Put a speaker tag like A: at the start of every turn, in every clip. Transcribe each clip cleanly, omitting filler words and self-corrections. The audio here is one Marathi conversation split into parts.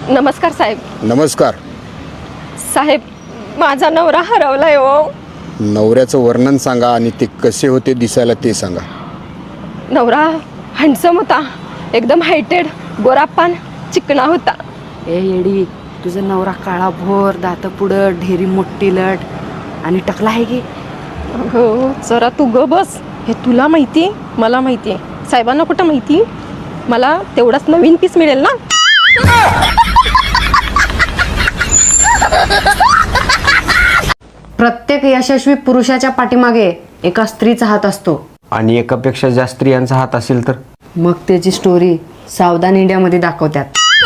A: नमस्कार साहेब.
B: नमस्कार.
A: साहेब, माझा नवरा हरवलाय हो.
B: नवऱ्याचं वर्णन सांगा आणि ते कसे होते दिसायला ते सांगा.
A: नवरा हँडसम होता, एकदम हायटेड, गोरापान, चिकणा होता.
C: ए येडी, तुझा नवरा काळा भोर, दात पुढं, ढेरी मोठी लट आणि टकला आहे की.
A: हो, जरा तू ग बस. हे तुला माहिती, मला माहिती आहे, साहेबांना कुठं माहिती. मला तेवढाच नवीन पीस मिळेल ना.
C: प्रत्येक यशस्वी पुरुषाच्या पाठीमागे एका स्त्रीचा हात असतो
D: आणि एकापेक्षा जास्त स्त्रियांचा हात असेल तर
C: मग त्याची स्टोरी सावधान इंडियामध्ये दाखवतात.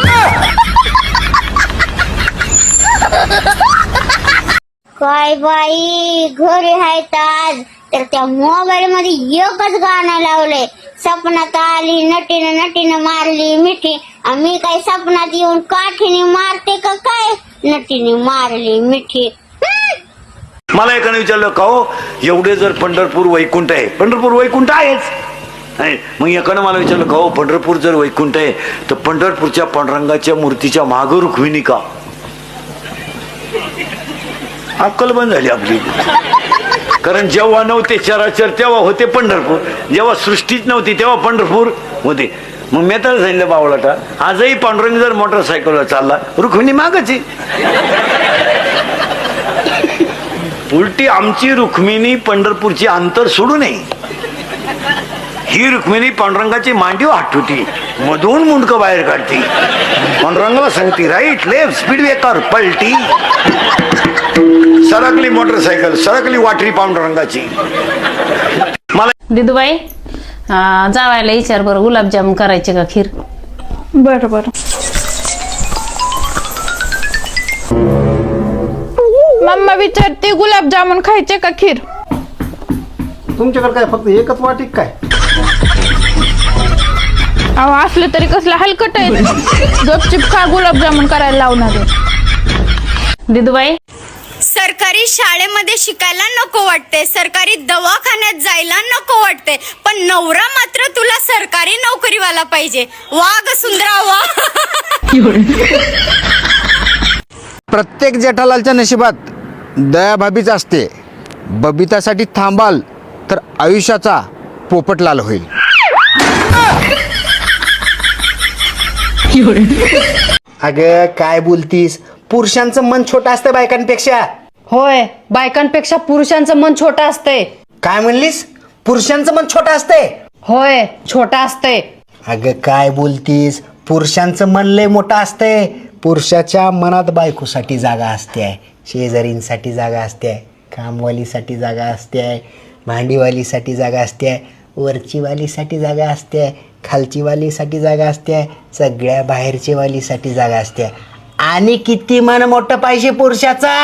E: काय बाई, घरी आहेत आज तर त्या मोबाईल मध्ये एकच गाणं लावलंय. सपनात आली नटीनं नटीनं मारली मिठी. आम्ही काय सपनात येऊन काठीने मारते का काय? नटीने मारली मिठी.
F: मला एकाने विचारलं का हो, एवढे जर पंढरपूर वैकुंठ आहे, पंढरपूर वैकुंठ आहेच. मग एकानं मला विचारलं का हो, पंढरपूर जर वैकुंठ आहे तर पंढरपूरच्या पांडुरंगाच्या मूर्तीच्या मागं रुक्मिणी का? अक्कल बंद झाली आपली. कारण जेव्हा नव्हते चराचर तेव्हा होते पंढरपूर, जेव्हा सृष्टीच नव्हती तेव्हा पंढरपूर होते. मग मी तर सांगितलं बावळाटा, आजही पांडुरंग जर मोटरसायकलवर चालला रुक्मिणी मागच आहे. उलटी आमची रुक्मिणी पंढरपूरची अंतर सोडू नये. ही रुक्मिणी पांडुरंगाची मांडीव हाटुटी, मधून मुंडकं बाहेर काढती, पांडुरंगाला सांगती राईट लेफ्ट स्पीड ब्रेकर पलटी. सरकली मोटरसायकल, सरकली वाटरी पांडुरंगाची. मला
G: दिदूबाई, जावायला विचार बरं, गुलाबजामुन करायचे का खीर?
H: बरं बरं. मम्मा विचारते गुलाबजामुन खायचे का खीर?
I: तुमच्याकडे काय फक्त एकच वाटी काय?
H: अहो, असलं तरी कसलं हलकट आहे. गपचिप खा, गुलाबजामुन करायला लावणार आहे.
G: दिदूबाई,
E: सरकारी शाळेमध्ये शिकायला नको वाटते, सरकारी दवाखान्यात जायला नको वाटते, पण नवरा मात्र तुला सरकारी नोकरीवाला पाहिजे. वाघ सुंदरा वा.
B: प्रत्येक जेठालालच्या नशिबात दयाभाभीच असते. बबितासाठी थांबाल तर आयुष्याचा पोपटलाल होईल.
I: अगं काय बोलतीस, पुरुषांचं मन छोटं असतं बायकांपेक्षा.
C: होय, बायकांपेक्षा पुरुषांचं मन छोटं असते.
I: काय म्हणलीस? पुरुषांचं मन छोटं असतंय?
C: होय, छोटा असते.
I: अगं काय बोलतीस, पुरुषांचं मन लय मोठं असतंय. पुरुषाच्या मनात बायकोसाठी जागा असते, शेजारींसाठी जागा असते, कामवालीसाठी जागा असते, भांडीवालीसाठी जागा असते, वरचीवालीसाठी जागा असते, खालचीवालीसाठी जागा असते, सगळ्या बाहेरची वालीसाठी जागा असते. आणि किती मन मोठं पाहिजे पुरुषाचा.